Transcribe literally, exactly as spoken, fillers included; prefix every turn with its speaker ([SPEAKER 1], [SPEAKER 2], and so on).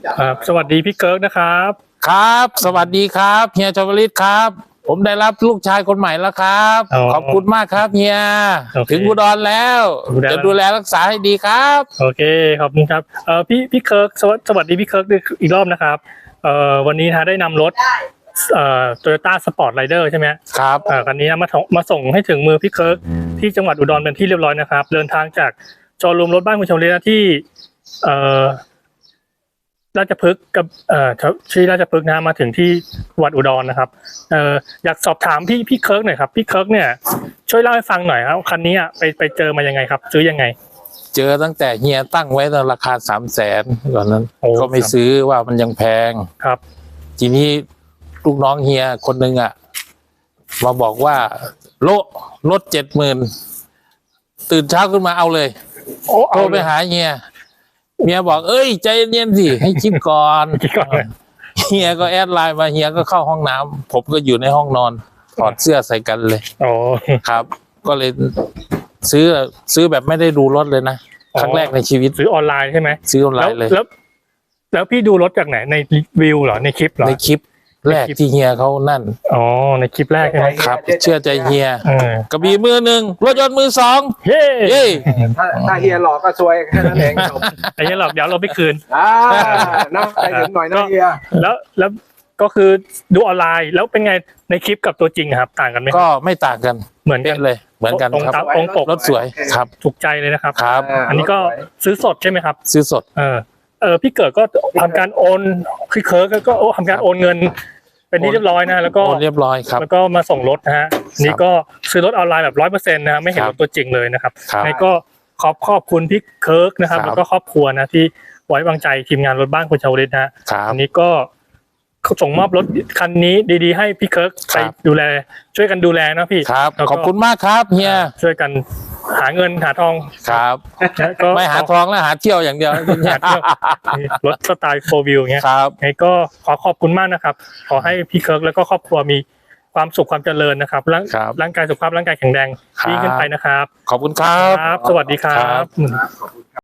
[SPEAKER 1] ครับสวัสดีพี่เกิร์กนะครับ
[SPEAKER 2] ครับสวัสดีครับเฮียชวลิตครับผมได้รับลูกชายคนใหม่แล้วครับขอบคุณมากครับเฮียถึงอุดรแล้วจะดูแลรักษาให้ดีครับ
[SPEAKER 1] โอเคขอบคุณครับเอ่อพี่พี่เคิร์กสวัสดีพี่เคิร์กอีกรอบนะครับเอ่อวันนี้นะได้นำรถเอ่อ Toyota Sport Rider ใช่ไหม
[SPEAKER 2] ครับ
[SPEAKER 1] เอ่อคันนี้มามาส่งให้ถึงมือพี่เคิร์กที่จังหวัดอุดรเป็นที่เรียบร้อยนะครับเดินทางจากโชว์รูมรถบ้านคุณชมรีที่เอ่อราชพฤกษ์กับเอ่อที่ราชพฤกษ์นะมาถึงที่วัดอุดรนะครับเอ่ออยากสอบถามพี่พี่เคิร์กหน่อยครับพี่เคิร์กเนี่ยช่วยเล่าให้ฟังหน่อยครับคันนี้ไปไปเจอมายังไงครับซื้อยังไง
[SPEAKER 2] เจอตั้งแต่เฮียตั้งไว้ในราคาสามแสนก่อนนั้นก็ไม่ซื้อว่ามันยังแพง
[SPEAKER 1] ครับ
[SPEAKER 2] ทีนี้ลูกน้องเฮียคนหนึ่งอ่ะมาบอกว่าโลลดเจ็ดหมื่นตื่นเช้าขึ้นมาเอาเลยโทรไปหาเฮียเมียบอกเอ้ยใจเย็นๆสิให้คิดก่อนเฮียก็แอดไลน์มาเฮียก็เข้าห้องน้ำผมก็อยู่ในห้องนอนถอดเสื้อใส่กันเลย
[SPEAKER 1] อ๋อ
[SPEAKER 2] ครับ ก็เลยซื้อซื้อแบบไม่ได้ดูรถเลยนะครั้งแรกในชีวิต
[SPEAKER 1] ซื้อออนไลน์ใช่ไหม
[SPEAKER 2] ซื้อออนไลน์เลย
[SPEAKER 1] แล้วแล้วพี่ดูรถจากไหนในวิวเหรอในคลิปเหรอ
[SPEAKER 2] ในคลิปแรกที่เฮียเขานั่น
[SPEAKER 1] อ๋อในคลิปแรกใช่ไหม
[SPEAKER 2] ครับเชื่อใจเฮียกระบี่มือหนึ่งรถยนต์มือสอง
[SPEAKER 1] เฮ้
[SPEAKER 2] เฮ้
[SPEAKER 3] ถ้าถ้าเฮียหลอกก็ซวยแค่นั้นเอง
[SPEAKER 1] ไอ้เฮียหลอกเดี๋ยวเราไม่คืน
[SPEAKER 3] อ่านะใจถึงหน่อยนะเฮีย
[SPEAKER 1] แล้วแล้วก็คือดูออนไลน์แล้วเป็นไงในคลิปกับตัวจริงครับต่างกันไหม
[SPEAKER 2] ก็ไม่ต่างกัน
[SPEAKER 1] เหมือนกัน
[SPEAKER 2] เลยเหมือนกันครับ
[SPEAKER 1] ตรงปก
[SPEAKER 2] รถสวยครับ
[SPEAKER 1] ถูกใจเลยนะครับ
[SPEAKER 2] ครับ
[SPEAKER 1] อันนี้ก็ซื้อสดใช่ไหมครับ
[SPEAKER 2] ซื้อสด
[SPEAKER 1] เออเออพี่เกิดก็ทำการโอนคือเคิร์กก็ทำการโอนเงินเป็นที่เรียบร้อยนะแล้วก็
[SPEAKER 2] เรียบร้อยครับ
[SPEAKER 1] แล้วก็มาส่งรถนะฮะนี่ก็ซื้อรถออนไลน์แบบร้อยเปอร์เซ็นต์นะไม่เห็นรถตัวจริงเลยนะครับนี่ก็ขอบขอบคุณพี่เคิร์กนะครับแล้วก็ครอบครัวนะที่ไว้วางใจทีมงานรถบ้านคุณชาวลิตนะอันนี้ก็ส่งมอบรถคันนี้ดีๆให้พี่เคิร์กไปดูแลช่วยกันดูแลนะพี่
[SPEAKER 2] ครับขอบคุณมากครับเฮีย
[SPEAKER 1] ช่วยกันหาเงินหาทอง
[SPEAKER 2] ครับไม่หาทองแล้วหาเที่ยวอย่างเดียว
[SPEAKER 1] รถสไตล์โฟร์วิวเงี้ย
[SPEAKER 2] ครับ
[SPEAKER 1] ไงก็ขอขอบคุณมากนะครับขอให้พี่เคิร์กแล้วก็ครอบครัวมีความสุขความเจริญนะครับร่างร่างกายสุขภาพร่างกายแข็งแรงยิ่งขึ้นไปนะครับ
[SPEAKER 2] ขอบคุณครับ
[SPEAKER 1] สวัสดีครับ